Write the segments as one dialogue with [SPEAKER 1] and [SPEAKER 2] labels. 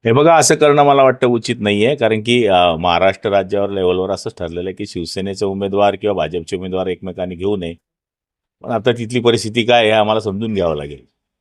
[SPEAKER 1] हे बघा, असं करणं मला वाटतं उचित नाहीये. कारण की महाराष्ट्र राज्यावर लेव्हलवर असंच ठरलेलं आहे की शिवसेनेचे उमेदवार किंवा भाजपचे उमेदवार एकमेकांनी घेऊ नये. पण आता तिथली परिस्थिती काय आहे हे आम्हाला समजून घ्यावं लागेल.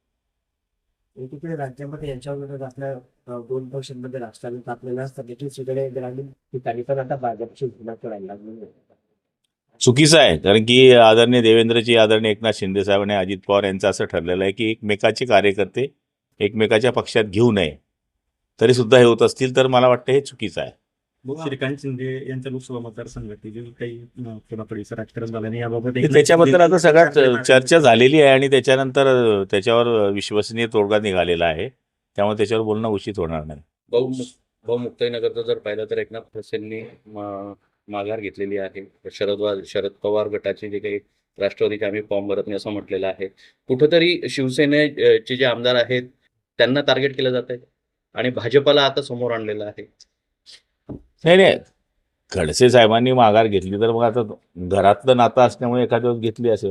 [SPEAKER 2] एकीकडे राज्यामध्ये यांच्यावर आपल्या दोन पक्षांमध्ये राजकारण तापलेलं असतं, दुसरीकडे ग्रामीण ठिकाणी पण आता भाजपची भूमिका करायला लागली आहे.
[SPEAKER 1] चुकीचं आहे. कारण की आदरणीय देवेंद्रजी, आदरणीय एकनाथ शिंदे साहेब आणि अजित पवार यांचं असं ठरलेलं आहे की एकमेकाचे कार्यकर्ते एकमेकाच्या पक्षात घेऊ नये. तरी सुद्धा हे होत असतील तर मला वाटतं हे चुकीचं आहे.
[SPEAKER 3] श्रीकांत शिंदे यांच्या लोकसभा मतदारसंघातील जे काही कोणाकडीचं राजकारण झालं नाही याबाबत
[SPEAKER 1] त्याच्याबद्दल आता सगळ्यात चर्चा झालेली आहे आणि त्याच्यानंतर त्याच्यावर विश्वसनीय तोडगा निघालेला आहे. त्यामुळे त्याच्यावर बोलणं उचित होणार नाही.
[SPEAKER 4] भाऊ मुक्ताईनगरचं जर पाहिलं तर एकनाथ खडसेंनी माघार घेतलेली आहे. शरद पवार गटाचे जे काही राष्ट्रवादीचे आम्ही फॉर्म भरत नाही असं म्हटलेलं आहे. कुठंतरी शिवसेनेचे जे आमदार आहेत त्यांना टार्गेट केलं जात आहे आणि भाजपला आता समोर आणलेलं आहे.
[SPEAKER 1] नाही, खडसे साहेबांनी माघार घेतली तर मग आता घरातलं नातं असल्यामुळे एखाद्या वेळेस घेतली असेल.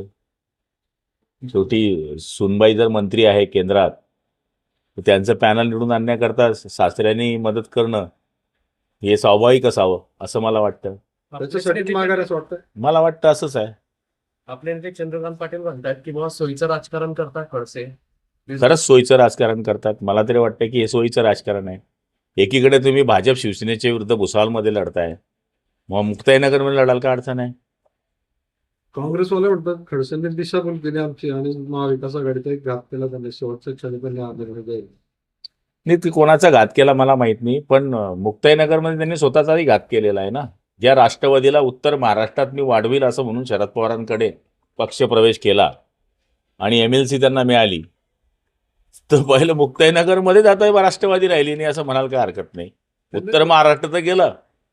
[SPEAKER 1] शेवटी सुनबाई जर मंत्री आहे केंद्रात तर त्यांचं पॅनल निवडून आणण्याकरता सासऱ्यांनी मदत करणं हे स्वाभाविक असावं असं मला वाटतं.
[SPEAKER 3] त्याच्यासाठी माघार असं वाटतं.
[SPEAKER 1] मला वाटतं असंच आहे.
[SPEAKER 3] आपले नेते चंद्रकांत पाटील म्हणतात की बाबा सोयीचं राजकारण करतात खडसे.
[SPEAKER 1] खरंच सोयीचं राजकारण करतात. मला तरी वाटतं की हे सोयीचं राजकारण आहे. एकीकडे तुम्ही भाजप शिवसेनेच्या विरुद्ध भुसावळमध्ये लढताय, मग मुक्ताईनगरमध्ये लढाल का अडचण आहे?
[SPEAKER 5] काँग्रेसवाले म्हणतात खडसेंनी दिशाभूल केली आमची आणि महाविकास आघाडीचा एक घात केला त्यांनी शेवटच्या क्षणी पण
[SPEAKER 1] नाही, ती कोणाचा घात केला मला माहित नाही, पण मुक्ताईनगरमध्ये त्यांनी स्वतःचाही घात केलेला आहे ना. ज्या राष्ट्रवादीला उत्तर महाराष्ट्रात मी वाढवील असं म्हणून शरद पवारांकडे पक्षप्रवेश केला आणि MLC त्यांना मिळाली, तर पहिलं मुक्ताईनगरमध्ये जाता राष्ट्रवादी राहिली नाही असं म्हणाल काय हरकत नाही. उत्तर महाराष्ट्र तर गेलं.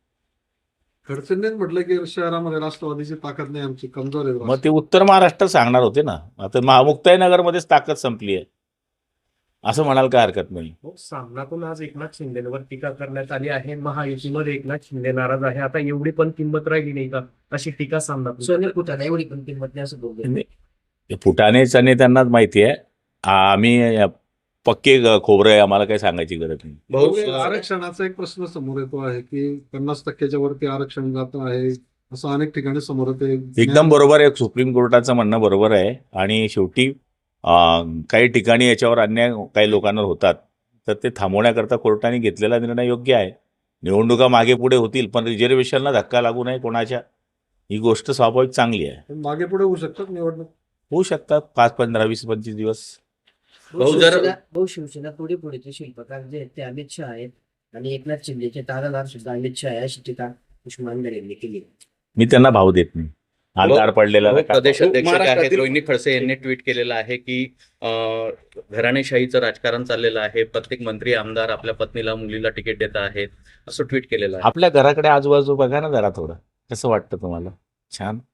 [SPEAKER 5] खडसेंनीच म्हटलं की शहरामध्ये राष्ट्रवादीची ताकद नाही आमची, कमजोर आहे.
[SPEAKER 1] मग ते उत्तर महाराष्ट्र सांगणार होते ना. आता मुक्ताईनगरमध्येच ताकद संपली आहे असं म्हणाल काय हरकत नाही.
[SPEAKER 3] सामनातून आज एकनाथ शिंदेवर टीका करण्यात आली आहे. महायुतीमध्ये एकनाथ शिंदे नाराज आहे. आता एवढी पण किंमत राहिली नाही का अशी टीका सामनातून.
[SPEAKER 2] सोने फुटाला एवढी पण किंमत नाही असं बोलतो.
[SPEAKER 1] फुटाणेच आणि त्यांनाच माहिती आहे. आम्ही पक्के खोबरं आहे, आम्हाला काही सांगायची गरज नाही.
[SPEAKER 5] भाऊ, आरक्षणाचा एक प्रश्न समोर येतो आहे की 50% वरती आरक्षण जात आहे असं अनेक ठिकाणी समोर येते.
[SPEAKER 1] एकदम बरोबर आहे. सुप्रीम कोर्टाचं म्हणणं बरोबर आहे आणि शेवटी काही ठिकाणी याच्यावर अन्याय काही लोकांवर होतात तर ते थांबवण्याकरता कोर्टाने घेतलेला निर्णय योग्य आहे. निवडणुका मागे पुढे होतील पण रिझर्वेशनला धक्का लागू नये कोणाच्या, ही गोष्ट स्वाभाविक चांगली आहे.
[SPEAKER 5] मागे पुढे होऊ शकतात निवडणूक,
[SPEAKER 1] होऊ शकतात 5, 15, 20, 25 दिवस.
[SPEAKER 2] भाऊ शिवसेना पुढे पुढेचे शिल्पकार जे आहेत ते अमित शहा आहेत आणि एकनाथ शिंदेचे तारादार सुद्धा अमित शहा आहे अशी टीका उस्मानगर यांनी केली.
[SPEAKER 1] मी त्यांना भाव देत नाही. आधार पडलेला
[SPEAKER 4] प्रदेश अध्यक्ष आहेत रोहिणी खडसे यांनी ट्विट केलेलं आहे की घराणेशाहीचं राजकारण चाललेलं आहे. प्रत्येक मंत्री आमदार आपल्या पत्नीला मुलीला तिकीट देत आहेत असं ट्विट केलेलं आहे.
[SPEAKER 1] आपल्या घराकडे आजूबाजू बघा ना जरा थोडं, कसं वाटतं तुम्हाला? छान.